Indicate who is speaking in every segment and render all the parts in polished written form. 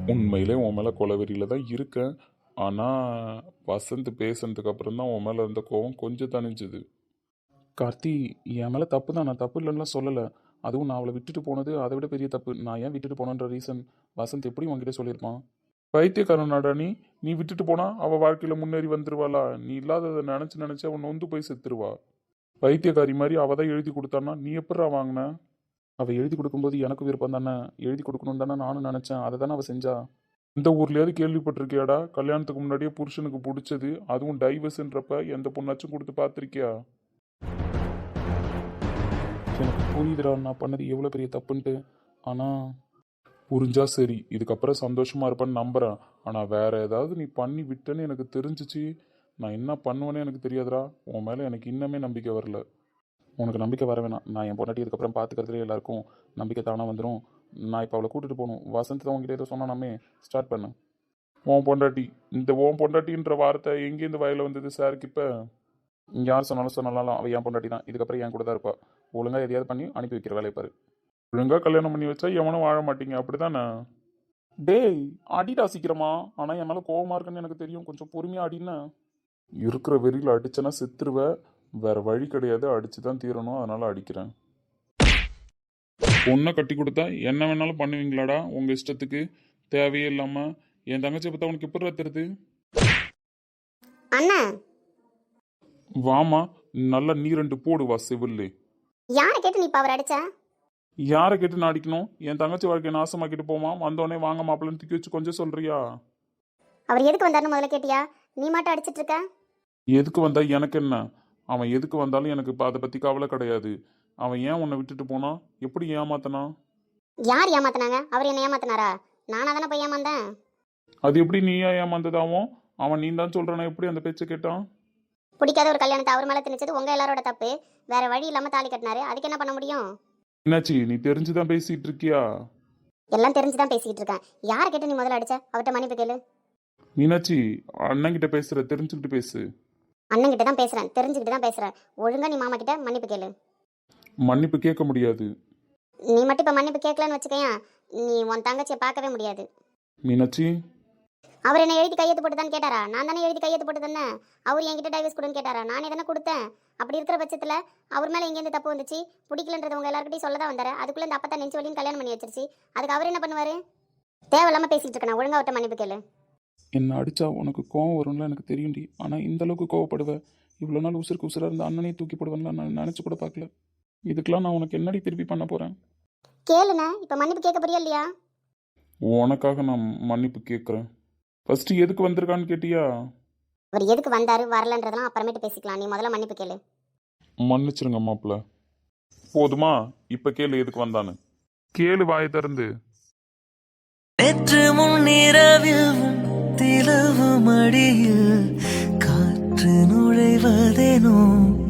Speaker 1: உண்மையிலே உன் மேலே கொலவெறியில் தான் இருக்கேன். ஆனால் வசந்த் பேசுனதுக்கு அப்புறம் தான் உன் மேலே இருந்த கோவம் கொஞ்சம் தணிஞ்சுது. கார்த்தி, என் மேலே தப்பு தான், நான் தப்பு இல்லைன்னா சொல்லலை. அதுவும் நான் அவளை விட்டுட்டு போனது அதை விட பெரிய தப்பு. நான் ஏன் விட்டுட்டு போனேன்ற ரீசன் வசந்த் எப்படி உன்கிட்ட சொல்லியிருப்பான்? பைத்தியக்காரனாடா நீ நீ விட்டுட்டு போனா அவள் வாழ்க்கையில் முன்னேறி வந்துருவாளா? நீ இல்லாததை நினச்சி நினச்சி அவன் நொந்து போய் செத்துருவா. பைத்தியக்காரி மாதிரி அவள் தான் எழுதி கொடுத்தான்னா நீ எப்படா வாங்கின? அவள் எழுதி கொடுக்கும்போது எனக்கு விருப்பம் தானே, எழுதி கொடுக்கணும் தானே நானும் நினச்சேன். அதை தானே அவள் செஞ்சா. இந்த ஊர்லயாவது கேள்விப்பட்டிருக்கியாடா கல்யாணத்துக்கு முன்னாடியே புருஷனுக்கு பிடிச்சது, அதுவும் டைவர்ஸ்ன்றப்ப எந்த பொண்ணாச்சும் கொடுத்து பார்த்துருக்கியா? எனக்கு புரியுதுடா நான் பண்ணது எவ்வளோ பெரிய தப்புன்ட்டு. ஆனால் புரிஞ்சா சரி, இதுக்கப்புறம் சந்தோஷமா இருப்பேன்னு நம்புறேன். ஆனால் வேற ஏதாவது நீ பண்ணி விட்டேன்னு எனக்கு தெரிஞ்சிச்சு, நான் என்ன பண்ணுவேன்னு எனக்கு தெரியாதுடா. உன் மேலே எனக்கு இன்னமே நம்பிக்கை வரல. உனக்கு நம்பிக்கை வர வேணாம். நான் என் பொண்டாட்டி இதுக்கப்புறம் பார்த்துக்கிறதுலே எல்லாருக்கும் நம்பிக்கை தானாக வந்துடும். நான் இப்போ அவளை கூட்டிகிட்டு போகணும். வசந்த் தான் உங்ககிட்ட ஏதோ சொன்னானாமே, ஸ்டார்ட் பண்ணு. ஓன் பொண்டாட்டி, இந்த ஓன் பொண்டாட்டின்ற வார்த்தை எங்கேருந்து வயலில் வந்தது சாருக்கு? இப்போ யார் சொன்னாலும் அவள் என் பொண்டாட்டி தான், இதுக்கப்புறம் என் கூட தான் இருப்பா. ஒழுங்காக எதையாவது பண்ணி அனுப்பி வைக்கிற வேலையை பாரு. ஒழுங்காக கல்யாணம் பண்ணி வச்சா எவனும் வாழ மாட்டீங்க, அப்படி தானே? டேய் அடிடா சீக்கிரமா. ஆனால் என் மேலே கோவமாக இருக்குன்னு எனக்கு தெரியும், கொஞ்சம் பொறுமையாக அடின்னு. இருக்கிற வெறியில் அடிச்சேன்னா செத்துருவ. வேற வழி கிடையாது, அடிச்சு தான் தீரணும், அதனால அடிக்கிறேன். பொண்ணை கட்டி கொடுத்தா என்ன வேணாலும் பண்ணுவீங்களாடா உங்க இஷ்டத்துக்கு? தேவையே இல்லாம என் தங்கச்சியை பார்த்தா உனக்கு எப்படி தெரியுது?
Speaker 2: அண்ணா,
Speaker 1: வாமா, நல்லா நீ ரெண்டு போடுவா செவில்லு.
Speaker 2: யாரை கேட்டு நீ பவர் அடிச்ச?
Speaker 1: யாரை கேட்டு நான் அடிக்கணும்? என் தங்கச்சி வாழ்க்கையை நாசமாக்கிட்டு போமா, வந்தோடனே வாங்க மாப்பிள்ளன்னு தூக்கி வச்சு கொஞ்சம் சொல்றியா?
Speaker 2: அவர் எதுக்கு வந்தாருன்னு முதல்ல கேட்டியா? நீ மட்டும் அடிச்சிட்டு இருக்க.
Speaker 1: எதுக்கு வந்தா எனக்கு என்ன? அவன் எதுக்கு வந்தாலும் எனக்கு அதை பத்தி கவலை கிடையாது. அவன் ஏன் உன்னை விட்டுட்டு போனா? எப்படி ஏமாத்தனா?
Speaker 2: யார் ஏமாத்தினாங்க? அவர் என்ன ஏமாத்தினாரா? நானா தானே போய் ஏமாந்தேன்.
Speaker 1: அது எப்படி நீயா ஏமாந்ததாவும்? அவன் நீ தான் சொல்றானா, எப்படி அந்த பேச்சை கேட்டான்?
Speaker 2: பிடிக்காத ஒரு கல்யாணத்தை அவர் மேலே திணிச்சது உங்க எல்லாரோட தப்பு. வேற வழி இல்லாம தாலி கட்டினாரு, அதுக்கு என்ன பண்ண முடியும்?
Speaker 1: என்னாச்சு, நீ தெரிஞ்சுதான் பேசிட்டு இருக்கியா?
Speaker 2: எல்லாம் தெரிஞ்சுதான் பேசிக்கிட்டு இருக்கேன். யாரை கேட்டு நீ முதல்ல அடிச்ச? அவர்கிட்ட மன்னிப்பு கேளு.
Speaker 1: மீனாட்சி, அண்ணன் கிட்ட பேசுற, தெரிஞ்சுக்கிட்டு பேசு.
Speaker 2: அண்ணன் கிட்ட தான் பேசுறேன், தெரிஞ்சுக்கிட்டு தான் பேசுறேன். ஒழுங்கா நீ மாமா கிட்ட மன்னிப்பு கேளு.
Speaker 1: மன்னிப்பு கேட்க முடியாது.
Speaker 2: நீ மட்டும் இப்ப மன்னிப்பு கேட்கலன்னு வச்சுக்கேன், நீ உன் தங்கச்சியை பார்க்கவே முடியாது.
Speaker 1: மீனாட்சி,
Speaker 2: அவர் என்ன எழுதி கையெழுத்து போட்டு தான் கேட்டாரா? நான் தானே எழுதி கையெழுத்து போட்டு தானே. அவர் என்கிட்ட டைவர்ஸ் கொடுன்னு கேட்டாரா? நானே தானே கொடுத்தேன். அப்படி இருக்கிற பட்சத்தில் அவர் மேலே எங்கேருந்து தப்பு வந்துச்சு? பிடிக்கலன்றது உங்க எல்லாருக்கிட்டையும் சொல்ல தான் வந்தாரு. அதுக்குள்ளே இந்த அப்பா நெஞ்சு வலின்னு கல்யாணம் பண்ணி வச்சிருச்சு. அதுக்கு அவர் என்ன பண்ணுவார்? தேவையில்லாமல் பேசிகிட்டு இருக்கேன். ஒழுங்கா அவர்கிட்ட மன்னிப்பு கேளு.
Speaker 1: என்ன அடிச்சா உனக்கு கோவம் வரும்ல எனக்கு தெரியும்டி. ஆனால் இந்த அளவுக்கு கோவப்படுவேன். இவ்வளோ நாள் உசுருக்கு உசுராக இருந்த அண்ணனே தூக்கி போடுவேன்லாம் நான் நினச்சி கூட பார்க்கல. இதுக்கெல்லாம் நான் உனக்கு என்னடி திருப்பி பண்ண போகிறேன்?
Speaker 2: கேளுண்ணா, இப்போ மன்னிப்பு கேட்க போறியா இல்லையா?
Speaker 1: உனக்காக நான் மன்னிப்பு கேட்குறேன். ஃபர்ஸ்ட் எதுக்கு வந்திருக்கான்னு கேட்டியா?
Speaker 2: அவர் எதுக்கு வந்தாரு வரலன்றதெல்லாம் அப்புறமேட்டு பேசிக்கலாம். நீ முதல்ல மன்னிப்பு கேளு.
Speaker 1: மன்னிச்சிருங்க மாப்பிள்ள. போதுமா? இப்போ கேளு எதுக்கு வந்தான்னு. கேளு வாயை திறந்து.
Speaker 3: நேற்று முன்னிரவில் திலவு மடியில் காற்று நுழைவதேனோ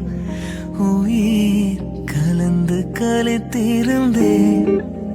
Speaker 3: உயிர் கலந்து கலைத்திருந்தேன்.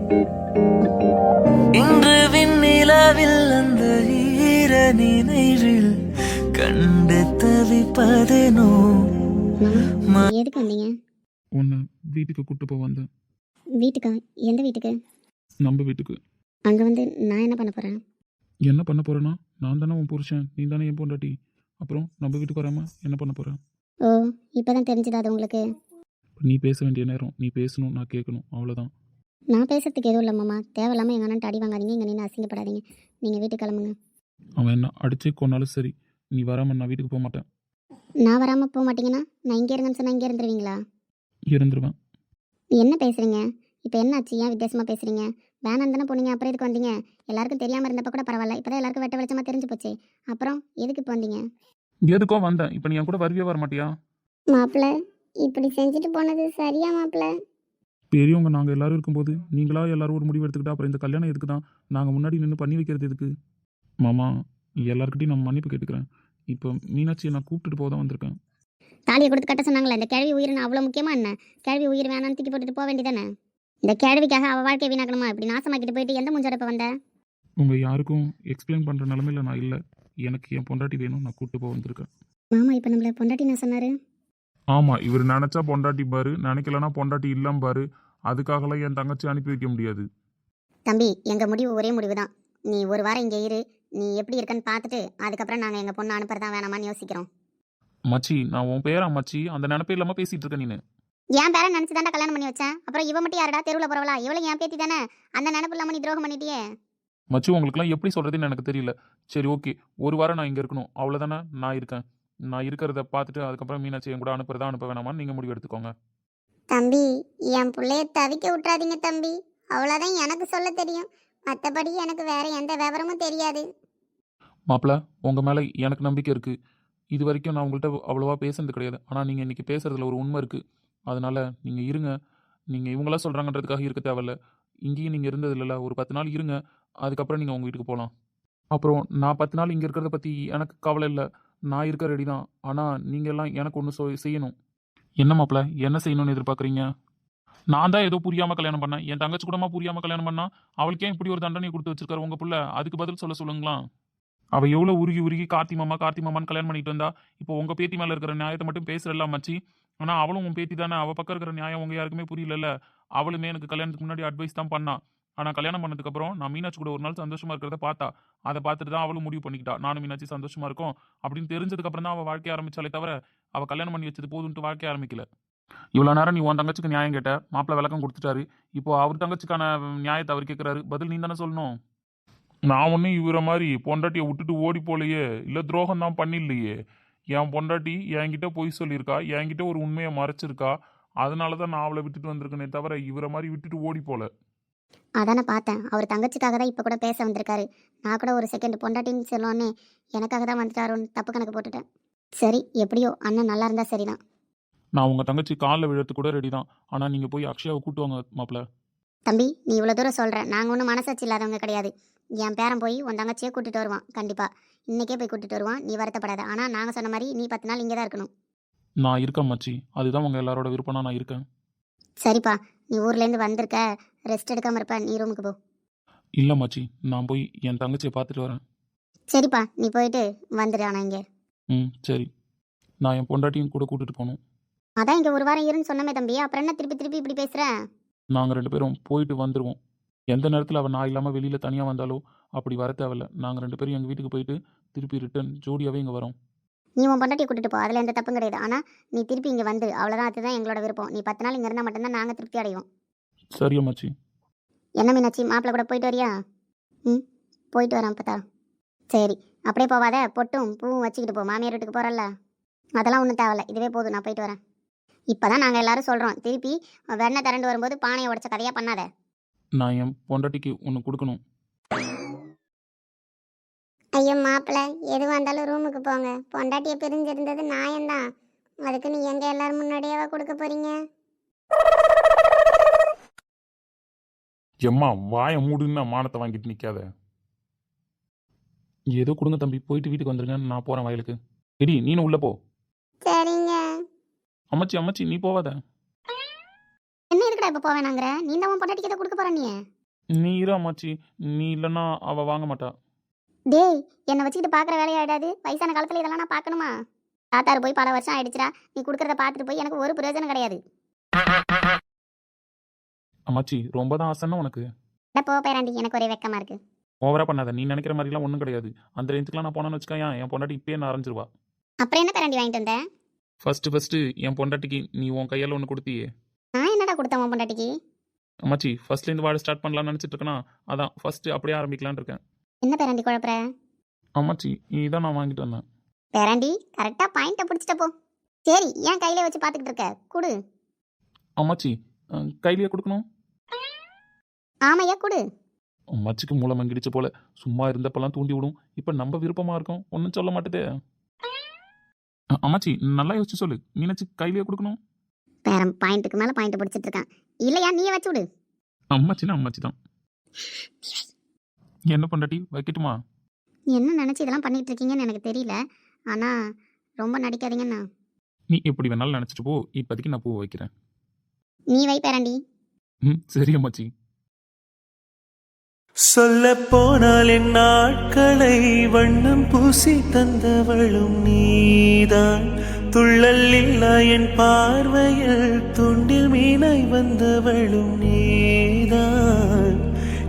Speaker 3: இன்று விண்ணிலவில் அந்த ஈர நினைவில் கண்டு தவிப்பதேனோ.
Speaker 2: எதுக்கு வந்தீங்க?
Speaker 1: உன்னை வீட்டுக்கு கூட்டு போக வந்தேன்.
Speaker 2: வீட்டுக்கா? எந்த வீட்டுக்கு?
Speaker 1: நம்ம வீட்டுக்கு.
Speaker 2: அங்கே வந்து நான் என்ன பண்ண போகிறேன்?
Speaker 1: என்ன பண்ண போறேன்னா, நான் தானே உன் புருஷன், நீ தானே என் பொண்டாட்டி. அப்புறம் நம்ம வீட்டுக்கு வராமல் என்ன பண்ண போகிறேன்?
Speaker 2: ஓ, இப்போ தான் தெரிஞ்சுதா அது உங்களுக்கு?
Speaker 1: நீ பேச வேண்டிய நேரம் நீ பேசணும், நான் கேட்கணும், அவ்வளோதான்.
Speaker 2: நான் பேசுறதுக்கு எதுவும் இல்லை மாமா. தேவையில்லாமல் எங்கள் அண்ணன் அடி வாங்காதீங்க, இங்கே நின்று அசிங்கப்படாதீங்க. நீங்கள் வீட்டுக்கு கிளம்புங்க.
Speaker 1: அவன் என்ன அடிச்சே கொன்னாலும் சரி, நீ வராமல் நான் வீட்டுக்கு போக மாட்டேன்.
Speaker 2: நான் வராமல் போக மாட்டீங்கன்னா நான் இங்கே இருங்கன்னு சொன்னால் இங்கே இருந்துருவீங்களா?
Speaker 1: இருந்துருவேன்.
Speaker 2: என்ன பேசுகிறீங்க இப்போ? என்னாச்சு? ஏன் வித்தியாசமாக பேசுகிறீங்க? வேணாம் தானே போனீங்க, அப்புறம் எதுக்கு வந்தீங்க? எல்லாருக்கும் தெரியாமல் இருந்தப்போ கூட பரவாயில்ல, இப்போ தான் எல்லாருக்கும் வெட்ட வெளிச்சமாக தெரிஞ்சு போச்சு. அப்புறம் எதுக்கு இப்போ வந்தீங்க?
Speaker 1: எதுக்கோ வந்தேன். இப்போ நீ என் கூட வருவியே வர மாட்டியா?
Speaker 2: மாப்பிள்ள, இப்படி செஞ்சுட்டு போனது சரியா மாப்பிள்ள?
Speaker 1: பெரியவங்க நாங்கள் எல்லாரும் இருக்கும்போது நீங்களா எல்லாரும் ஒரு முடிவு எடுத்துக்கிட்டா அப்புறம் இந்த கல்யாணம் எதுக்கு தான்? நாங்கள் முன்னாடி நின்று பண்ணி வைக்கிறது எதுக்கு? மாமா, எல்லாருக்கிட்டையும் நான் மன்னிப்பு கேட்டுக்கிறேன். இப்போ மீனாட்சியை நான் கூப்பிட்டுட்டு போக தான் வந்திருக்கேன்.
Speaker 2: தாலியை கொடுத்து கட்ட சொன்னாங்களே, இந்த கேள்வி உயிரின் அவ்வளோ முக்கியமாக என்ன? கேள்வி உயிர் வேணான்னு தூக்கி போட்டுட்டு போக வேண்டியதானே? இந்த கேள்விக்காக அவள் வாழ்க்கையை வீணாக்கணுமா? இப்படி நாசமாக்கிட்டு போயிட்டு எந்த முஞ்சோட இப்போ வந்த?
Speaker 1: உங்கள் யாருக்கும் எக்ஸ்பிளைன் பண்ணுற நிலமையில நான் இல்லை. எனக்கு என் பொண்டாட்டி வேணும், நான் கூப்பிட்டு போக வந்திருக்கேன்.
Speaker 2: மாமா இப்போ நம்மளை பொண்டாட்டி நான் சொன்னார்.
Speaker 1: ஆமாம், இவர் நினச்சா பொண்டாட்டி பாரு, நினைக்கலன்னா பொண்டாட்டி இல்லாம பாரு. அதுக்காகலாம் என் தங்கச்சி அனுப்பி வைக்க முடியாது.
Speaker 2: தம்பி, எங்கள் முடிவு ஒரே முடிவு தான். நீ ஒரு வாரம் இங்கே இரு, நீ எப்படி இருக்கன்னு பார்த்துட்டு அதுக்கப்புறம் நாங்கள் எங்கள் பொண்ணு அனுப்புறதா வேணாமான்னு யோசிக்கிறோம்.
Speaker 1: மச்சி நான் உன் பேரா மச்சி, அந்த நினைப்பே இல்லாமல் பேசிகிட்டு இருக்க நீனு.
Speaker 2: என் பேரை நினச்சி தாண்டா கல்யாணம் பண்ணி வச்சேன். அப்புறம் இவ மட்டும் யாரடா தெருவில் போகிறவளா? இவளும் என் பேத்தி தானே. அந்த நினப்பு இல்லாமல் நீ துரோகம் பண்ணிட்டியே.
Speaker 1: மச்சி உங்களுக்குலாம் எப்படி சொல்கிறதுன்னு எனக்கு தெரியல. சரி ஓகே, ஒரு வாரம் நான் இங்கே இருக்கணும் அவ்வளோதானே. நான் இருக்கேன். நான் இருக்கிறத பார்த்துட்டு அதுக்கப்புறம் மீனாட்சி என் கூட அனுப்புறதா அனுப்ப வேணாமான்னு நீங்கள் முடிவு எடுத்துக்கோங்க.
Speaker 2: தம்பி, என் பிள்ளைய தவிக்க விட்றாதீங்க தம்பி. அவ்வளோதான் எனக்கு சொல்ல தெரியும். மற்றபடி எனக்கு வேற எந்த விவரமும் தெரியாது.
Speaker 1: மாப்பிள்ள, உங்கள் மேலே எனக்கு நம்பிக்கை இருக்குது. இது வரைக்கும் நான் உங்கள்கிட்ட அவ்வளோவா பேசுனது கிடையாது. ஆனால் நீங்கள் இன்றைக்கி பேசுகிறதுல ஒரு உண்மை இருக்குது. அதனால் நீங்கள் இருங்க. நீங்கள் இவங்களாம் சொல்கிறாங்கன்றதுக்காக இருக்க தேவையில்ல. இங்கேயும் நீங்கள் இருந்தது இல்லைல்ல, ஒரு 10 நாள் இருங்க. அதுக்கப்புறம் நீங்கள் உங்கள் வீட்டுக்கு போகலாம். அப்புறம் நான் 10 நாள் இங்கே இருக்கிறத பற்றி எனக்கு கவலை இல்லை. நான் இருக்க ரெடி தான். ஆனால் நீங்கள் எல்லாம் எனக்கு ஒன்று செய்யணும். என்ன மாப்பிள்ள, என்ன செய்யணும்னு எதிர்பார்க்குறீங்க? நான் தான் ஏதோ புரியாமல் கல்யாணம் பண்ணேன். என் தங்கச்சி கூடமா புரியாமல் கல்யாணம் பண்ணா? அவளுக்கே இப்படி ஒரு தண்டனை கொடுத்து வச்சிருக்காரு உங்கள் புள்ள. அதுக்கு பதில் சொல்லுங்களா? அவள் எவ்வளோ உருகி கார்த்தி மாமான்னு கல்யாணம் பண்ணிட்டு வந்தா. இப்போ உங்கள் பேத்தி மேலே இருக்கிற நியாயத்தை மட்டும் பேசுகிறல்ல மச்சி. ஆனால் அவளும் உன் பேத்தி தானே. அவள் பக்கம் இருக்கிற நியாயம் உங்கள் யாருக்குமே புரியலல்ல. அவளுமே எனக்கு கல்யாணத்துக்கு முன்னாடி அட்வைஸ் தான் பண்ணா. ஆனால் கல்யாணம் பண்ணதுக்கப்புறம் நான் மீனாட்சி கூட ஒரு நாள் சந்தோஷமாக இருக்கிறத பார்த்தா. அதை பார்த்துட்டு தான் அவளும் முடிவு பண்ணிக்கிட்டா, நானும் மீனாட்சி சந்தோஷமாக இருக்கும் அப்படின்னு தெரிஞ்சதுக்கப்புறம் தான் அவள் வாழ்க்கைய ஆரம்பிச்சாலே தவிர அவள் கல்யாணம் பண்ணி வச்சது போதுன்ட்டு வாழ்க்கைய ஆரம்பிக்கல. இவ்வளோ நேரம் நீ உன் தங்கச்சிக்கு நியாயம் கேட்ட, மாப்பிள்ளை விளக்கம் கொடுத்துட்டாரு. இப்போ அவர் தங்கச்சிக்கான நியாயத்தை அவர் கேட்குறாரு. பதில் நீ தானே சொல்லணும். நான் ஒன்றும் இவரை மாதிரி பொண்டாட்டியை விட்டுட்டு ஓடி போலையே, இல்லை துரோகம் தான் பண்ணிடலையே. என் பொண்டாட்டி என்கிட்ட பொய் சொல்லியிருக்கா, என்கிட்ட ஒரு உண்மையை மறைச்சிருக்கா. அதனால தான் நான் அவளை விட்டுட்டு வந்திருக்கேனே தவிர இவரை மாதிரி விட்டுட்டு ஓடி போல.
Speaker 2: அதானே பார்த்தேன். அவர் தங்கச்சிக்காக தான் இப்போ கூட பேச வந்திருக்காரு. நான் கூட ஒரு செகண்ட் பொண்டாட்டின்னு சொல்லோன்னே எனக்காக தான் வந்துட்டாரோன்னு தப்பு கணக்கு போட்டுட்டேன். சரி, எப்படியோ அண்ணன் நல்லா இருந்தால் சரிதான்.
Speaker 1: நான் உங்கள் தங்கச்சி காலில் விழுறது கூட ரெடி தான். ஆனால் நீங்கள் போய் அக்ஷயாவை கூட்டு வாங்க மாப்பிள்ள.
Speaker 2: தம்பி, நீ இவ்வளோ தூரம் சொல்கிற. நாங்கள் ஒன்றும் மனசாட்சி இல்லாதவங்க கிடையாது. என் பேரன் போய் உன் தங்கச்சியை கூட்டிகிட்டு வருவான். கண்டிப்பாக இன்றைக்கே போய் கூட்டிகிட்டு வருவான். நீ வருத்தப்படாத. ஆனால் நாங்கள் சொன்ன மாதிரி நீ 10 நாள் இங்கே தான் இருக்கணும்.
Speaker 1: நான் இருக்கேன் மச்சி. அதுதான் உங்கள் எல்லாரோட விருப்பம்னா நான் இருக்கேன்.
Speaker 2: சரிப்பா, நீ ஊர்லேருந்து வந்திருக்க, ரெஸ்ட் எடுக்காமல் இருப்ப. நீ ரூமுக்கு போ.
Speaker 1: இல்லை மச்சி, நான் போய் என் தங்கச்சியை பார்த்துட்டு வரேன்.
Speaker 2: சரிப்பா, நீ போயிட்டு வந்துடு. ஆனால் இங்கே
Speaker 1: சரி. நான் என் பொண்டாட்டியும் கூட கூட்டிகிட்டு போகணும்.
Speaker 2: அதான் இங்கே ஒரு வாரம் இருன்னு சொன்னமே தம்பி. அப்புறம் என்ன திருப்பி இப்படி பேசுகிறேன்?
Speaker 1: நாங்கள் 2 பேரும் போயிட்டு வந்துடுவோம். எந்த நேரத்தில் அவள் நான் இல்லாமல் வெளியில் தனியாக வந்தாலோ அப்படி வர தேவையில்ல. நாங்கள் 2 பேரும் எங்கள் வீட்டுக்கு போயிட்டு திருப்பி ரிட்டர்ன் ஜோடியாகவே இங்கே வரோம்.
Speaker 2: நீ உன் பொண்டாட்டியை கூட்டிட்டு போ, அதில் எந்த தப்பும் கிடையாது. ஆனால் நீ திருப்பி இங்கே வந்து அவ்வளோதான். அதுதான் எங்களோட விருப்பம். நீ 10 நாள் இங்கே இருந்தால் மட்டும்தான் நாங்கள் திருப்தி அடைவோம்.
Speaker 1: சரியா மச்சி?
Speaker 2: என்ன மீனாட்சி, மாப்பிள்ளை கூட போயிட்டு வரியா? போயிட்டு வரேன் அப்பத்தா. சரி, அப்படியே போவாத. பொட்டும் பூவும் வச்சுக்கிட்டு போ. மாமியார் வீட்டுக்கு போகிறல்ல, அதெல்லாம் ஒன்றும் தேவையில்ல. இதுவே போதும், நான் போயிட்டு வரேன். இப்போ தான் நாங்கள் எல்லாரும் சொல்கிறோம், திருப்பி வெண்ணெய் திரண்டு வரும்போது பானையை உடைச்ச கதையாக பண்ணாத.
Speaker 1: நான் என் பொண்டாட்டிக்கு ஒன்று கொடுக்கணும்.
Speaker 2: ஐயோ மாப்பிள்ளை, எதுவாக இருந்தாலும் ரூமுக்கு போங்க. பொண்டாட்டியை பிரிஞ்சிருந்தது நியாயம்தான். அதுக்கு நீ எங்கே எல்லாரும் முன்னாடியாவா கொடுக்க போகிறீங்க?
Speaker 1: எம்மா வாயை மூடுன்னு மானத்தை வாங்கிட்டு நிற்காத. ஏதோ கொடுங்க தம்பி, போயிட்டு வீட்டுக்கு வந்துருங்க. நான் போகிறேன் வயலுக்கு. எடி நீனும் உள்ளே போ.
Speaker 2: சரிங்க.
Speaker 1: அம்மாச்சி நீ போவாத.
Speaker 2: என்ன இருக்குடா இப்போ போவேனாங்கிற? நீ தான் உன் பொண்டாட்டிக்கு எதை கொடுக்க போற?
Speaker 1: நீ இரு அம்மாச்சி. நீ இல்லைன்னா அவள் வாங்க மாட்டா.
Speaker 2: டேய், என்னை வச்சுக்கிட்டு பார்க்குற வேலையாயிடாது. வயசான காலத்தில் இதெல்லாம் நான் பார்க்கணுமா? தாத்தாரு போய் பல வருஷம் ஆயிடுச்சுடா. நீ கொடுக்குறத பார்த்துட்டு போய் எனக்கு ஒரு பிரயோஜனம் கிடையாது.
Speaker 1: அம்மாச்சி ரொம்ப தான் ஆசைன்னா உனக்கு.
Speaker 2: போ பேராண்டி, எனக்கு ஒரே வெக்கமா இருக்கு.
Speaker 1: ஓவரா பண்ணாத. நீ நினைக்கிற மாதிரிலாம் ஒன்றும் கிடையாது. அந்த ரேஞ்சுக்குலாம் நான் போனேன்னு வச்சுக்கா, என் பொண்டாட்டி இப்பயே நான் அரைஞ்சிருவா.
Speaker 2: அப்புறம் என்ன பேராண்டி வாங்கிட்டு வந்தேன்?
Speaker 1: ஃபர்ஸ்ட் என் பொண்டாட்டிக்கு நீ உன் கையால் ஒன்று கொடுத்தியே.
Speaker 2: நான் என்னடா கொடுத்தேன் உன் பொண்டாட்டிக்கு?
Speaker 1: அம்மாச்சி ஃபர்ஸ்ட்லேருந்து வாழ ஸ்டார்ட் பண்ணலாம்னு நினச்சிட்டு இருக்கேனா, அதான் ஃபர்ஸ்ட் அப்படியே ஆரம்பிக்கலான்னு இருக்கேன்.
Speaker 2: என்ன பேராண்டி குழப்பற?
Speaker 1: அம்மாச்சி இதான் நான் வாங்கிட்டு வந்தேன்.
Speaker 2: பேராண்டி கரெக்டாக பாயிண்ட்டை பிடிச்சிட்ட போ. சரி, ஏன் கையிலே வச்சு பார்த்துக்கிட்டு இருக்க? கொடு.
Speaker 1: அம்மாச்சி கையிலேயே கொடுக்கணும்.
Speaker 2: ஆமையா, கொடு.
Speaker 1: அம்மாச்சிக்கு மூளை மங்கிடுச்சு போல. சும்மா இருந்தப்பெல்லாம் தூண்டி விடும். இப்போ நம்ம விருப்பமாக இருக்கும், ஒன்றும் சொல்ல மாட்டேதே. அம்மாச்சி நல்லா யோசிச்சு சொல்லு. மீனாட்சி கையிலேயே கொடுக்கணும்.
Speaker 2: பேரம் பாயிண்ட்டுக்கு மேலே பாயிண்ட் பிடிச்சிட்டு இருக்கான். இல்லையா, நீயே வச்சு விடு.
Speaker 1: அம்மாச்சின்னா அம்மாச்சி தான். என்ன பொண்டாட்டி வைக்கட்டுமா?
Speaker 2: என்ன நினச்சி இதெல்லாம் பண்ணிட்டு இருக்கீங்கன்னு எனக்கு தெரியல. ஆனால் ரொம்ப நடிக்காதீங்கண்ணா.
Speaker 1: நீ எப்படி வேணாலும் நினச்சிட்டு போ. இப்போதைக்கு நான் பூ வைக்கிறேன்.
Speaker 2: நீ வை பேராண்டி.
Speaker 1: சரி அம்மாச்சி.
Speaker 3: சொல்ல போனால் என் நாட்களை வண்ணம் பூசி தந்தவளும் நீதான். துள்ளல் இல்லா என் பார்வையில் துண்டில் மீனாய் வந்தவளும் நீதான்.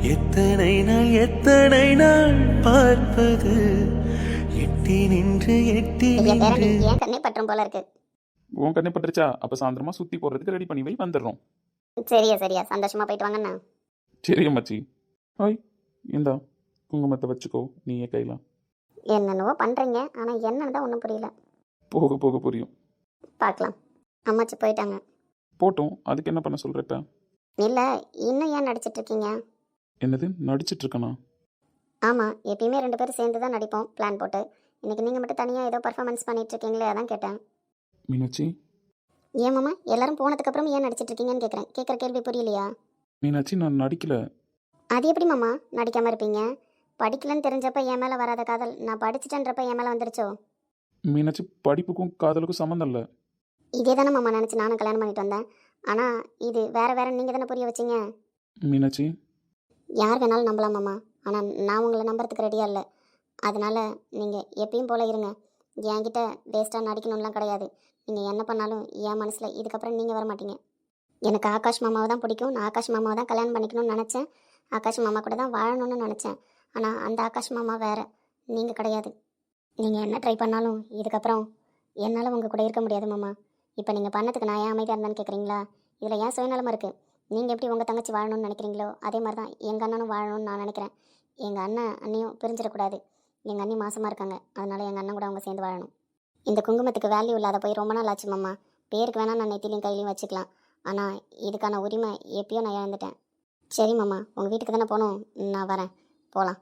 Speaker 3: எத்தனை நாள் பார்ப்பது எட்டி நின்று
Speaker 2: ஐயா பேரணி ஏன் கண்ணே பற்றும் போல இருக்கு.
Speaker 1: உன் கண்ணே பட்டுருச்சா? அப்போ சாயந்தரமா சுற்றி போடுறதுக்கு ரெடி பண்ணி வை, வந்துடுறோம்.
Speaker 2: சரியா சந்தோஷமா போயிட்டு வாங்கண்ணா.
Speaker 1: சரி அம்மாச்சி. ஹாய், இந்தா குங்குமத்தை வச்சுக்கோ நீயே கையில்.
Speaker 2: என்னென்னவோ பண்றீங்க, ஆனா என்னன்னு தான் ஒன்றும் புரியல.
Speaker 1: போக போக புரியும்.
Speaker 2: பார்க்கலாம். அம்மாச்சி போயிட்டாங்க.
Speaker 1: போட்டோம், அதுக்கு என்ன பண்ண சொல்கிற இப்போ?
Speaker 2: இல்ல, இன்னும் ஏன் நடிச்சிட்டு இருக்கீங்க?
Speaker 1: என்னது நடிச்சிட்டு இருக்கனா?
Speaker 2: ஆமா, எப்பயுமே 2 பேரும் சேர்ந்து தான் நடிப்போம் பிளான் போட்டு. இன்னைக்கு நீங்க மட்டும் தனியா ஏதோ பர்ஃபார்மன்ஸ் பண்ணிட்டு இருக்கீங்களே, அதான் கேட்டேன்.
Speaker 1: மீனாட்சி.
Speaker 2: ஏன் மாமா எல்லாரும் போனதுக்கு அப்புறம் ஏன் நடிச்சிட்டு இருக்கீங்கன்னு கேட்குறேன். கேட்குற கேள்வி புரியலையா?
Speaker 1: மீனாட்சி நான் நடிக்கல.
Speaker 2: அது எப்படி மாமா நடிக்காம இருப்பீங்க? படிக்கலன்னு தெரிஞ்சப்ப என் மேல வராத காதல் நான் படிச்சுட்டேன்றப்ப என் மேல வந்துருச்சோ?
Speaker 1: மீனாட்சி படிப்புக்கும் காதலுக்கும் சம்மந்தம் இல்லை.
Speaker 2: இதே தானே மாமா நினச்சி நானும் கல்யாணம் பண்ணிட்டு வந்தேன். ஆனா இது வேற நீங்கள் தானே புரிய வச்சீங்க.
Speaker 1: மீனாட்சி.
Speaker 2: யார் வேணாலும் நம்பலாம் மாமா, ஆனால் நான் உங்களை நம்புறதுக்கு ரெடியாக இல்லை. அதனால நீங்கள் எப்பயும் போல இருங்க. என்கிட்ட வேஸ்ட்டாக நடிக்கணும்லாம் கிடையாது. நீங்கள் என்ன பண்ணாலும் என் மனசில் இதுக்கப்புறம் நீங்கள் வர மாட்டீங்க. எனக்கு ஆகாஷ் மாமாவை தான் பிடிக்கும். நான் ஆகாஷ் மாமாவை தான் கல்யாணம் பண்ணிக்கணும்னு நினச்சேன். ஆகாஷ் மாமா கூட தான் வாழணும்னு நினச்சேன். ஆனால் அந்த ஆகாஷ் மாமா வேறு, நீங்கள் கிடையாது. நீங்கள் என்ன ட்ரை பண்ணாலும் இதுக்கப்புறம் என்னால் உங்கள் கூட இருக்க முடியாது மாமா. இப்போ நீங்கள் பண்ணதுக்கு நான் ஏன் அமைதியாக இருந்தேன்னு கேட்குறீங்களா? இதில் ஏன் சுயநலமாக இருக்குது. நீங்கள் எப்படி உங்கள் தங்கச்சி வாழணும்னு நினைக்கிறீங்களோ அதே மாதிரி தான் எங்கள் அண்ணனும் வாழணும்னு நான் நினைக்கிறேன். எங்கள் அண்ணியும் பிரிஞ்சிடக்கூடாது. எங்கள் அண்ணி மாசமாக இருக்காங்க, அதனால் எங்கள் அண்ணன் கூட அவங்க சேர்ந்து வாழணும். இந்த குங்குமத்துக்கு வேல்யூ இல்லாத போய் ரொம்ப நாள் ஆச்சு மாமா. பேருக்கு வேணால் நான் நெத்திலையும் கையிலையும் வச்சுக்கலாம், ஆனால் இதுக்கான உரிமை எப்பயோ நான் இழந்துட்டேன். சரி மாமா, உங்கள் வீட்டுக்கு தானே போகணும், நான் வரேன், போகலாம்.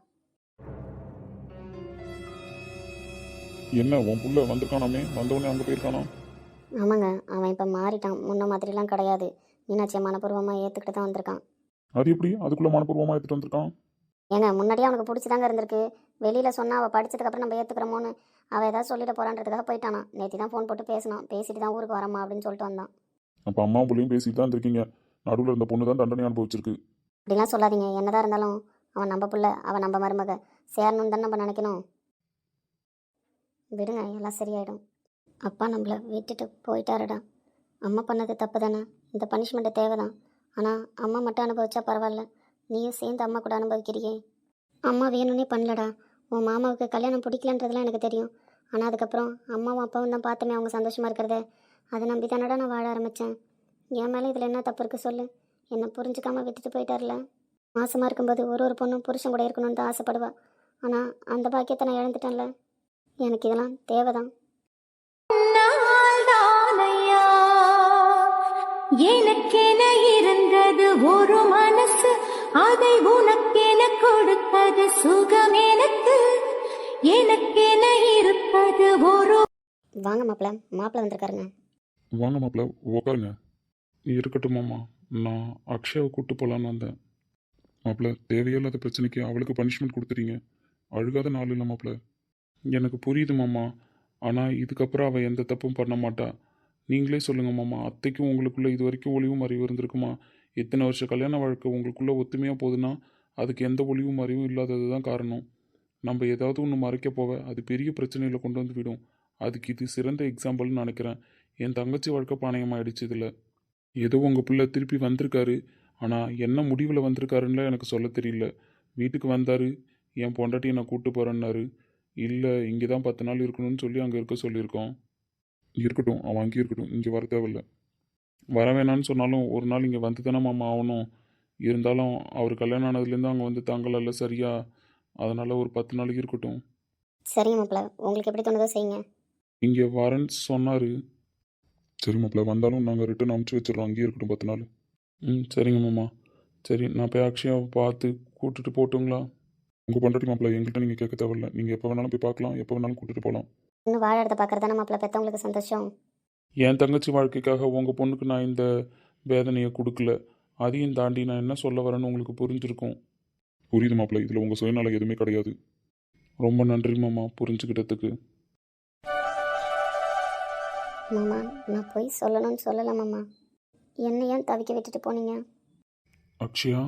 Speaker 1: என்ன உன் புள்ள வந்திருக்கானாமே, வந்தவொடனே அங்கே போயிருக்கானா?
Speaker 2: ஆமாங்க, அவன் இப்போ மாறிட்டான். முன்ன மாதிரிலாம் கிடையாது. மீனாட்சியை மனப்பூர்வமாக ஏற்றுக்கிட்டு தான் வந்திருக்கான்.
Speaker 1: அது எப்படி அதுக்குள்ளே மனப்பூர்வமாக எடுத்துகிட்டு வந்திருக்கான்?
Speaker 2: ஏங்க முன்னாடியே அவனுக்கு பிடிச்சிதாங்க இருந்திருக்கு. வெளியில் சொன்னால் அவள் படித்ததுக்கப்புறம் நம்ம ஏற்றுக்கிறோமோன்னு அவள் ஏதாவது சொல்லிட போகிறான்றதுக்காக போயிட்டானா. நேற்று தான் ஃபோன் போட்டு பேசினான். பேசிட்டு தான் ஊருக்கு வரமா அப்படின்னு சொல்லிட்டு வந்தான்.
Speaker 1: அப்போ அம்மா பிள்ளையும் பேசிட்டு தான் இருந்திருக்கீங்க. நடுவில் இருந்த பொண்ணு தான் தண்டனை அனுபவிச்சிருக்கு.
Speaker 2: அப்படிலாம் சொல்லாதீங்க. என்னதான் இருந்தாலும் அவன் நம்ம புள்ள, அவன் நம்ம மருமக. சேரணும்னு தானே நம்ம நினைக்கணும். விடுங்க, எல்லாம் சரியாயிடும். அப்பா நம்மளை விட்டுட்டு போயிட்டாருடா. அம்மா பண்ணது தப்பு தானே, இந்த பனிஷ்மெண்ட்டு தேவை தான். ஆனால் அம்மா மட்டும் அனுபவிச்சா பரவாயில்ல, நீயும் சேர்ந்து அம்மா கூட அனுபவிக்கிறியே. அம்மா வேணும்னே பண்ணலடா. உன் மாமாவுக்கு கல்யாணம் பிடிக்கலன்றதுலாம் எனக்கு தெரியும். ஆனால் அதுக்கப்புறம் அம்மாவும் அப்பாவும் தான் பார்த்தோமே அவங்க சந்தோஷமாக இருக்கிறத. அதை நம்பி தானடா நான் வாழ ஆரம்பித்தேன். என் மேலே இதில் என்ன தப்பு இருக்குது சொல்லு? என்னை புரிஞ்சுக்காமல் விட்டுட்டு போயிட்டார்ல. மாசமாக இருக்கும்போது ஒரு பொண்ணும் புருஷன் கூட இருக்கணும்னு தான் ஆசைப்படுவா. ஆனால் அந்த பாக்கியத்தை நான் இழந்துட்டேன்ல. எனக்கு இதெல்லாம் தேவைதான்.
Speaker 4: எனக்கென இருந்தது ஒரு மனசு, அதை உனக்கென கொடுத்தது சுகம் எனக்கு. எனக்கென இருப்பது ஒரு.
Speaker 2: வாங்க மாப்பிள்ள வந்திருக்காருங்க.
Speaker 1: வாங்க மாப்பிள்ள, உட்காருங்க. இருக்கட்டும் மாமா, நான் அக்ஷயாவை கூப்பிட்டு போகலான்னு வந்தேன். மாப்பிள்ள, தேவையில்லாத பிரச்சனைக்கு அவளுக்கு பனிஷ்மெண்ட் கொடுத்துறீங்க. அழுகாத நாள் இல்லை மாப்பிள்ள. எனக்கு புரியுது மாமா, ஆனால் இதுக்கப்புறம் அவள் எந்த தப்பும் பண்ண மாட்டா. நீங்களே சொல்லுங்கள் மாமா, அத்தைக்கும் உங்களுக்குள்ளே இது வரைக்கும் ஒளிவும் அறிவு இருந்திருக்குமா? எத்தனை வருஷம் கல்யாண வாழ்க்கை உங்களுக்குள்ளே ஒத்துமையாக போகுதுன்னா அதுக்கு எந்த ஒளிவும் அறிவும் இல்லாதது தான் காரணம். நம்ம ஏதாவது ஒன்று மறைக்க போக அது பெரிய பிரச்சனையில் கொண்டு வந்து விடும். அதுக்கு இது சிறந்த எக்ஸாம்பிள்னு நினைக்கிறேன். என் தங்கச்சி வாழ்க்கை பானையமாகிடுச்சு. இதில் ஏதோ உங்கள் பிள்ளை திருப்பி வந்திருக்காரு, ஆனால் என்ன முடிவில் வந்திருக்காருன்னு எனக்கு சொல்ல தெரியல. வீட்டுக்கு வந்தார், என் பொண்டாட்டியை நான் கூப்பிட்டு போகிறேன்னாரு. இல்லை, இங்கே தான் 10 நாள் இருக்கணும்னு சொல்லி அங்கே இருக்க சொல்லியிருக்கோம். இருக்கட்டும், அவன் அங்கேயும் இருக்கட்டும், இங்கே வர தேவையில்லை. வர வேணான்னு சொன்னாலும் ஒரு நாள் இங்கே வந்து தானே மாமா ஆகணும். இருந்தாலும் அவர் கல்யாணம் ஆனதுலேருந்து அங்கே வந்து தாங்கல சரியா, அதனால் ஒரு 10 நாளைக்கு இருக்கட்டும்.
Speaker 2: சரி மாப்பிள்ள, உங்களுக்கு எப்படி தோணுதோ செய்யுங்க.
Speaker 1: இங்கே வரேன்னு சொன்னார். சரி மாப்பிள்ள, வந்தாலும் நாங்கள் ரிட்டன் அனுப்பிச்சி வச்சிடறோம், அங்கேயே இருக்கட்டும் 10 நாள். சரிங்க மாமா. சரி, நான் போய் அக்ஷயாவை பார்த்து கூப்பிட்டுட்டு போட்டுங்களா? உங்கள் பொண்டாட்டி மாப்பிள்ள எங்கள்கிட்ட நீங்கள் கேட்க தேவையில்ல. நீங்கள் எப்போ வேணாலும் போய் பார்க்கலாம், எப்போ வேணாலும் கூட்டிகிட்டு போகலாம்.
Speaker 2: இன்னும் வாழ இடத்த பார்க்குறது தானே மாப்பிள்ள பெற்றவங்களுக்கு சந்தோஷம்.
Speaker 1: என் தங்கச்சி வாழ்க்கைக்காக உங்கள் பொண்ணுக்கு நான் இந்த வேதனையை கொடுக்கல. அதையும் தாண்டி நான் என்ன சொல்ல வரேன்னு உங்களுக்கு புரிஞ்சிருக்கும். புரியுது மாப்பிள்ள, இதில் உங்கள் சுயநலம் எதுவுமே கிடையாது. ரொம்ப நன்றி மாமா புரிஞ்சுக்கிட்டதுக்கு.
Speaker 2: மாமா, நான் போய் சொல்லணும்னு சொல்லலை மாமா. என்னை ஏன் தவிக்க விட்டுட்டு போனீங்க?
Speaker 1: அக்ஷயா.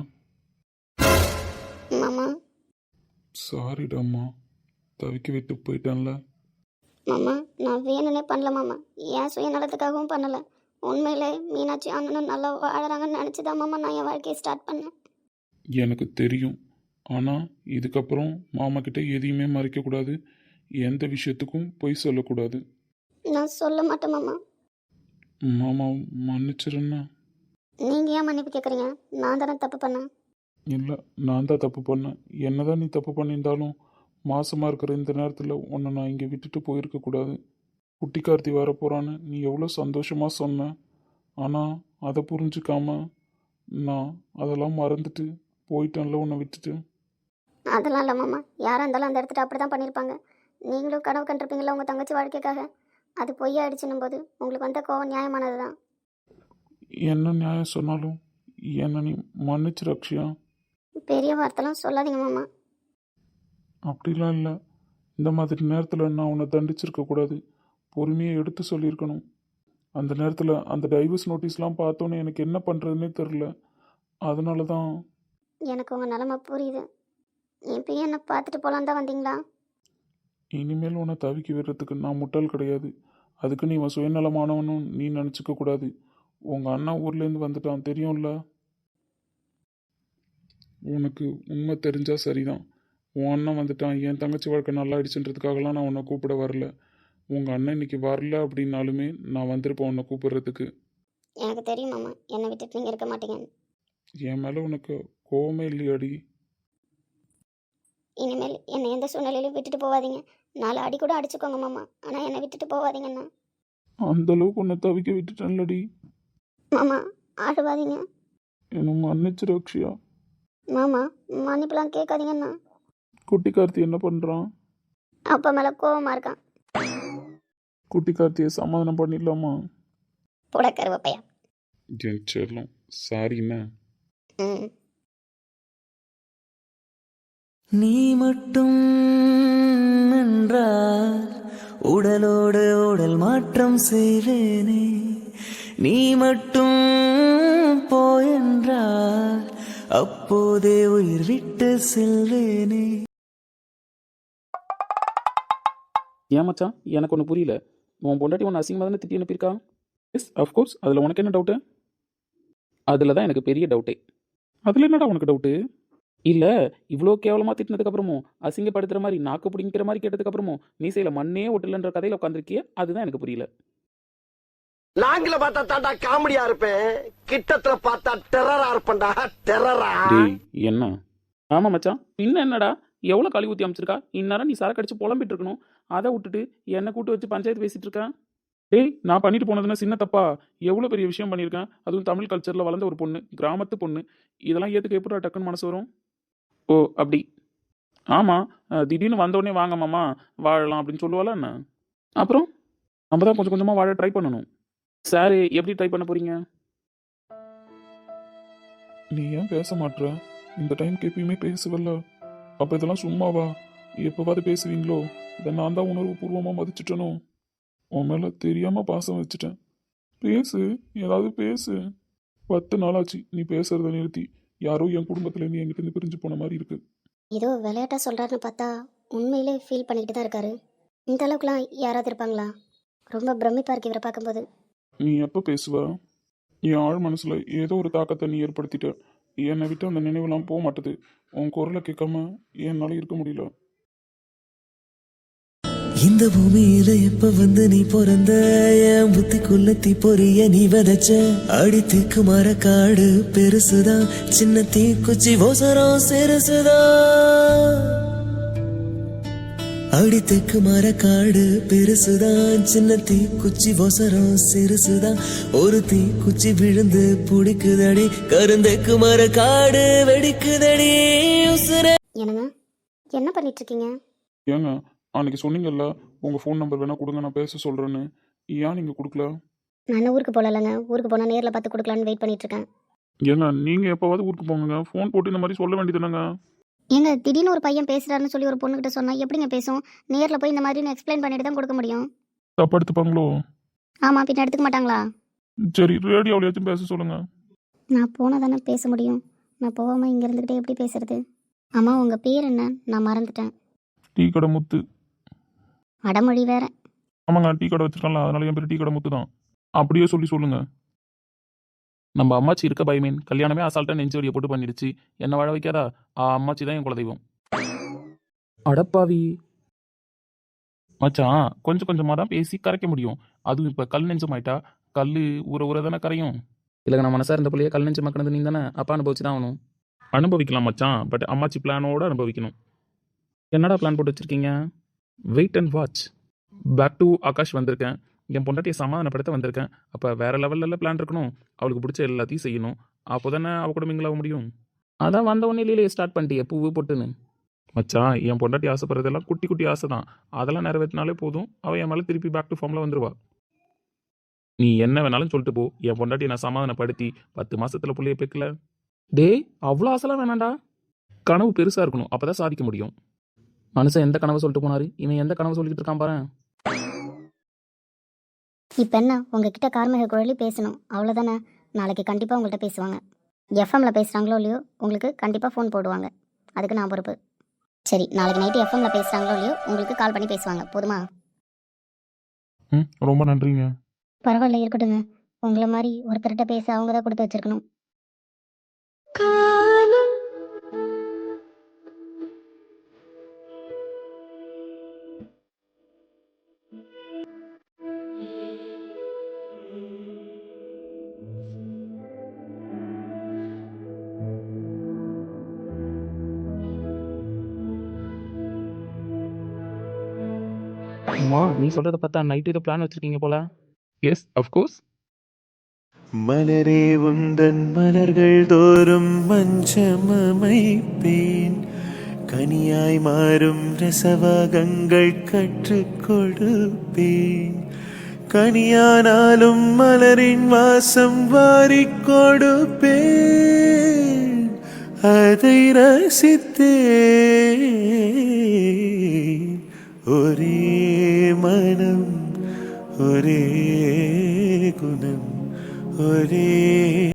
Speaker 2: மாமா.
Speaker 1: சாரிடாம்மா, தவிக்க விட்டு போயிட்டான்ல.
Speaker 2: மாமா, நான் வேணும்னே பண்ணல மாமா. ஏன் சுயநலத்துக்காகவும் பண்ணலை. உண்மையிலே மீனாட்சி அண்ணனும் நல்லா வாழறாங்கன்னு நினச்சிதான் மாமா நான் என் வாழ்க்கையை ஸ்டார்ட் பண்ணேன்.
Speaker 1: எனக்கு தெரியும். ஆனால் இதுக்கப்புறம் மாமா கிட்ட எதையுமே மறைக்கக்கூடாது. எந்த விஷயத்துக்கும் பொய் சொல்லக்கூடாது.
Speaker 2: நான் சொல்ல மாட்டேன் மாமா.
Speaker 1: மாமா மன்னிச்சிருன்னா.
Speaker 2: நீங்கள் ஏன் மன்னிப்பு கேட்குறீங்க? நான் தானே தப்பு பண்ணேன்.
Speaker 1: இல்லை, நான் தான் தப்பு பண்ணேன். என்னதான் நீ தப்பு பண்ணியிருந்தாலும் மாசமாக இருக்கிற இந்த நேரத்தில் உன்னை நான் இங்கே விட்டுட்டு போயிருக்கக்கூடாது. குட்டி கார்த்தி வரப்போகிறான்னு நீ எவ்வளோ சந்தோஷமாக சொன்ன. ஆனால் அதை புரிஞ்சுக்காம நான் அதெல்லாம் மறந்துட்டு போயிட்டேன்ல உன்னை விட்டுட்டு.
Speaker 2: அதெல்லாம் இல்லை மாமா. யாராக இருந்தாலும் அந்த இடத்துல அப்படி தான் பண்ணியிருப்பாங்க. நீங்களும் கனவு கண்டிருப்பீங்களா உங்கள் தங்கச்சி வாழ்க்கைக்காக. அது பொய்யாயிடுச்சுன்னும் போது உங்களுக்கு வந்த கோவம் நியாயமானது தான்.
Speaker 1: என்ன நியாயம் சொன்னாலும் என்னை நீ மன்னிச்சு ரக்ஷியா.
Speaker 2: பெரிய வார்த்தைலாம் சொல்லாதீங்க மாமா.
Speaker 1: அப்படிலாம் இல்லை. இந்த மாதிரி நேரத்தில் நான் உன்னை தண்டிச்சிருக்கக்கூடாது. பொறுமையாக எடுத்து சொல்லியிருக்கணும். அந்த நேரத்தில் அந்த டைவர்ஸ் நோட்டீஸ்லாம் பார்த்தோன்னே எனக்கு என்ன பண்ணுறதுனே தெரில. அதனால தான்.
Speaker 2: எனக்கு உங்கள் நிலமை புரியுது. இப்பயும் என்னை பார்த்துட்டு போகலான் தான் வந்தீங்களா?
Speaker 1: இனிமேல் உன்னை தவிக்க விடுறதுக்கு நான் முட்டாள் கிடையாது. அதுக்கு நீ உன் சுயநலமானவனும் நீ நினச்சிக்க கூடாது. உங்கள் அண்ணா ஊர்லேருந்து வந்துட்டான் தெரியும்ல. உனக்கு உண்மை தெரிஞ்சால் சரிதான். உன் அண்ணன் வந்துட்டான், என் தங்கச்சி வாழ்க்கை நல்லா ஆயிடுச்சுன்றதுக்காகலாம் நான் உன்னை கூப்பிட வரல. உங்கள் அண்ணன் இன்னைக்கு வரல அப்படின்னாலுமே நான் வந்திருப்பேன் உன்னை கூப்பிடுறதுக்கு.
Speaker 2: எனக்கு தெரியும் மாமா, என்னை விட்டுட்டு நீங்கள் இருக்க மாட்டீங்க.
Speaker 1: என் மேலே உனக்கு கோவமே இல்லையாடி?
Speaker 2: இனிமேல் என்னை எந்த சூழ்நிலையிலும் விட்டுட்டு போகாதீங்க. 4 அடி கூட அடிச்சுக்கோங்க மாமா, ஆனால் என்னை விட்டுட்டு போகாதீங்கண்ணா.
Speaker 1: அந்த அளவுக்கு உன்னை தவிக்க விட்டுட்டேன்லடி.
Speaker 2: மாமா அழுவாதீங்க.
Speaker 1: என்னை மன்னிச்சு ரக்ஷியா.
Speaker 2: மாமா மன்னிப்புலாம் கேட்காதீங்கண்ணா.
Speaker 1: குட்டி கார்த்தி என்ன பண்ணுறான்?
Speaker 2: அப்பா மேலே கோவமாக இருக்கான்.
Speaker 1: குட்டி கார்த்தியை சமாதானம் பண்ணிடலாமா?
Speaker 2: போட கருவப்பையா.
Speaker 1: என் செல்லம் சாரிண்ணா.
Speaker 2: ம்.
Speaker 3: நீ மட்டும் என்றால் உடலோடு உடல் மாற்றம் செய்வேனே. நீ மட்டும் போயென்றால் அப்போதே உயிர் விட்டு செல்வேனே.
Speaker 5: ஏன் மச்சான், எனக்கு ஒன்று புரியல. உன் பொண்டாட்டி ஒன்று அசிங்கமாக தானே திட்டி அனுப்பியிருக்கா? Yes of course. அதில் உனக்கு என்ன டவுட்டு? அதில் தான் எனக்கு பெரிய டவுட்டே. அதில் என்னடா உனக்கு டவுட்டு? இல்லை, இவ்வளோ கேவலமாக திட்டினதுக்கப்புறமும் அசிங்கப்படுத்துகிற மாதிரி நாக்கு பிடிங்கிற மாதிரி கேட்டதுக்கப்புறமும் மீசையில் மண்ணே ஒட்டலன்ற கதையில் உட்காந்துருக்கிய, அதுதான் எனக்கு புரியல.
Speaker 6: லாங்கில பார்த்தா தாண்டா காமெடியா இருப்பேன், கிட்டத்துல பார்த்தா டெரரா இருப்பேன்டா. டெரரா.
Speaker 5: டேய் என்ன? ஆமாம் மச்சான், பின்ன என்னடா? எவ்வளோ கழுவி ஊற்றி அமைச்சிருக்கா? இந்நேரம் நீ சரக்கு அடிச்சு புலம்பிட்டு இருக்கணும். அதை விட்டுட்டு என்னை கூட்டு வச்சு பஞ்சாயத்து பேசிட்டு இருக்கேன். டேய், நான் பண்ணிட்டு போனதுன்னா சின்ன தப்பா? எவ்வளோ பெரிய விஷயம் பண்ணியிருக்கேன். அதுவும் தமிழ் கல்ச்சரில் வளர்ந்த ஒரு பொண்ணு, கிராமத்து பொண்ணு. இதெல்லாம் ஏற்றுக்க எப்படி டக்குன்னு மனசு வரும்? ஓ அப்படி. ஆமாம், திடீர்னு வந்தோடனே வாங்க மாமா வாழலாம் அப்படின்னு சொல்லுவாளா என்ன? அப்புறம் நம்ம தான் கொஞ்சம் கொஞ்சமாக வாழ ட்ரை பண்ணணும். சார் எப்படி ட்ரை பண்ண போகிறீங்க?
Speaker 1: நீ ஏன் பேச மாட்ற? இந்த டைம்க்கு எப்பயுமே பேசுவல்ல. அப்போ இதெல்லாம் சும்மாவா? எப்போவாது பேசுவீங்களோ? இதை நான் தான் உணர்வு பூர்வமாக மதிச்சிட்டனோ? உன் மேலே தெரியாமல் பாசம் வச்சுட்டேன். பேசு, ஏதாவது பேசு. 10 நாளாச்சு நீ பேசுறத நிறுத்தி. யாரோ என் குடும்பத்துலேருந்து என்கிட்ட பிரிஞ்சு போன மாதிரி இருக்கு.
Speaker 2: ஏதோ விளையாட்டாக சொல்கிறாருன்னு பார்த்தா உண்மையிலே ஃபீல் பண்ணிக்கிட்டு தான் இருக்காரு. இந்த அளவுக்குலாம் யாராவது இருப்பாங்களா? ரொம்ப பிரமிப்பாக இருக்கு இவரை பார்க்கும்போது.
Speaker 1: நீ எப்போ பேசுவ? என் ஆழ் மனசில் ஏதோ ஒரு தாக்கத்தை நீ ஏற்படுத்திட்ட. என்னை விட்டு அந்த நினைவெல்லாம் போக மாட்டுது. உன் குரலை கேட்காம என்னால் இருக்க முடியல.
Speaker 3: இந்த பூமியில எப்ப வந்து நீ பிறந்த, என் புத்திக்குள்ள தீப்பொறிய நீ விதைச்ச. அடி தீக்கு மர காடு பெருசுதான், சின்ன தீக்குச்சி ஓசரம் சிறுசுதான். அடி தெக்கு மர காடு பெருசுதான், சின்ன தீக்குச்சி ஓசரம் சிறுசுதான். ஒரு தீக்குச்சி விழுந்து பிடிக்குதடி, கருந்தெக்கு மர காடு வெடிக்குதடி உசுர.
Speaker 2: என்னங்க என்ன பண்ணிட்டு இருக்கீங்க?
Speaker 1: ஏங்க, அன்னைக்கு சொன்னீங்கல்ல உங்கள் ஃபோன் நம்பர் வேணால் கொடுங்க நான் பேச சொல்கிறேன்னு. ஏன் நீங்கள் கொடுக்கல?
Speaker 2: நான் ஊருக்கு போகலங்க. ஊருக்கு போனால் நேரில் பார்த்து கொடுக்கலான்னு வெயிட் பண்ணிட்டு இருக்கேன்.
Speaker 1: ஏங்க, நீங்கள் எப்போவாது ஊருக்கு போங்க, ஃபோன் போட்டு இந்த மாதிரி சொல்ல வேண்டியதுனங்க.
Speaker 2: ஏங்க திடீர்னு ஒரு பையன் பேசுகிறாருன்னு சொல்லி ஒரு பொண்ணுகிட்ட சொன்னால் எப்படிங்க பேசும்? நேரில் போய் இந்த மாதிரி எக்ஸ்பிளைன் பண்ணிட்டு தான் கொடுக்க முடியும்.
Speaker 1: தப்பா எடுத்துப்பாங்களோ?
Speaker 2: ஆமாம், பின்ன எடுத்துக்க மாட்டாங்களா?
Speaker 1: சரி, ரேடியோவிலையாச்சும் பேச சொல்லுங்கள்.
Speaker 2: நான் போனால் தானே பேச முடியும். நான் போகாமல் இங்கே இருந்துக்கிட்டே எப்படி பேசுறது? ஆமாம், உங்கள் பேர் என்ன? நான் மறந்துட்டேன்.
Speaker 1: டீ கடை முத்து.
Speaker 2: அடமொழி வேற.
Speaker 1: ஆமாங்க, டீ கடை வச்சிருக்கல, அதனால என் பேர் டீ கடை முத்து தான். அப்படியே சொல்லி சொல்லுங்கள்.
Speaker 5: நம்ம அம்மாச்சி இருக்க பயமீன் கல்யாணமே அசால்ட்டாக நெஞ்சு வடியை போட்டு பண்ணிடுச்சு என்ன வாழ வைக்காதா அம்மாச்சி தான் என் குலதெய்வம். அடப்பாவி மச்சான், கொஞ்சம் கொஞ்சமாக தான் பேசி கரைக்க முடியும். அதுவும் இப்போ கல் நெஞ்சமாயிட்டா கல் ஊற ஊற தானே கரையும். இல்லை நான் மனசாக இருந்த பிள்ளைய கல் நெஞ்சு மக்கனது நீ தானே அப்பா அனுபவிச்சு தான் ஆகணும். அனுபவிக்கலாம் மச்சான், பட் அம்மாச்சி பிளானோடு அனுபவிக்கணும். என்னடா பிளான் போட்டு வச்சுருக்கீங்க? Wait and watch. Back to Akash வந்திருக்கேன். என் பொண்டாட்டியை சமாதானப்படுத்த வந்திருக்கேன். அப்போ வேறு லெவலில் பிளான் இருக்கணும். அவளுக்கு பிடிச்ச எல்லாத்தையும் செய்யணும். அப்போ தானே அவள் கூட மிங்கிளாக முடியும். அதான் வந்த உடனே இல்லையே ஸ்டார்ட் பண்ணிட்டியே பூவு போட்டுன்னு. மச்சான், என் பொண்டாட்டி ஆசைப்படுறதெல்லாம் குட்டி குட்டி ஆசை தான். அதெல்லாம் நிறைவேற்றினாலே போதும். அவள் என் மேலே திருப்பி பேக் டு ஃபார்மில் வந்துடுவா. நீ என்ன வேணாலும் சொல்லிட்டு போ. என் பொண்டாட்டி நான் சமாதானப்படுத்தி 10 மாசத்துல புள்ளைய பெக்கல. டேய், அவ்வளோ ஆசைலாம் வேணாண்டா. கனவு பெருசாக இருக்கணும். அப்போ தான் சாதிக்க முடியும். மனுஷன் எந்த கனவு சொல்லிட்டு போனாரு, இவன் எந்த கனவு சொல்லிட்டு இருக்கான் பாரு.
Speaker 2: இப்போ என்ன உங்ககிட்ட கார்மிக குழலி பேசணும் அவ்வளோதானே. நாளைக்கு கண்டிப்பாக உங்கள்கிட்ட பேசுவாங்க. எஃப்எம்ல பேசுகிறாங்களோ இல்லையோ உங்களுக்கு கண்டிப்பாக ஃபோன் போடுவாங்க. அதுக்கு நான் பொறுப்பு. சரி, நாளைக்கு நைட்டு எஃப்எம்ல பேசுகிறாங்களோ இல்லையோ உங்களுக்கு கால் பண்ணி பேசுவாங்க. போதுமா?
Speaker 1: ரொம்ப நன்றிங்க.
Speaker 2: பரவாயில்ல, இருக்கட்டுங்க. உங்களை மாதிரி ஒருத்தர்கிட்ட பேச அவங்க தான் கொடுத்து வச்சிருக்கணும்.
Speaker 5: அம்மா, நீ சொல்கிறத பார்த்தா நைட்டு இதை பிளான் வச்சுருக்கீங்க போல. Yes, of course.
Speaker 3: மலரே உந்தன் மலர்கள் தோறும் மஞ்சமமைப்பேன் கனியாய் மாறும் ரசவாகங்கள் கற்றுக் கொடுப்பேன் கனியானாலும் மலரின் வாசம் வாரிக் கொடுப்பேன் அதை ரசித்தேன் ஒரே மனம் ஒரே குணம் ஒரே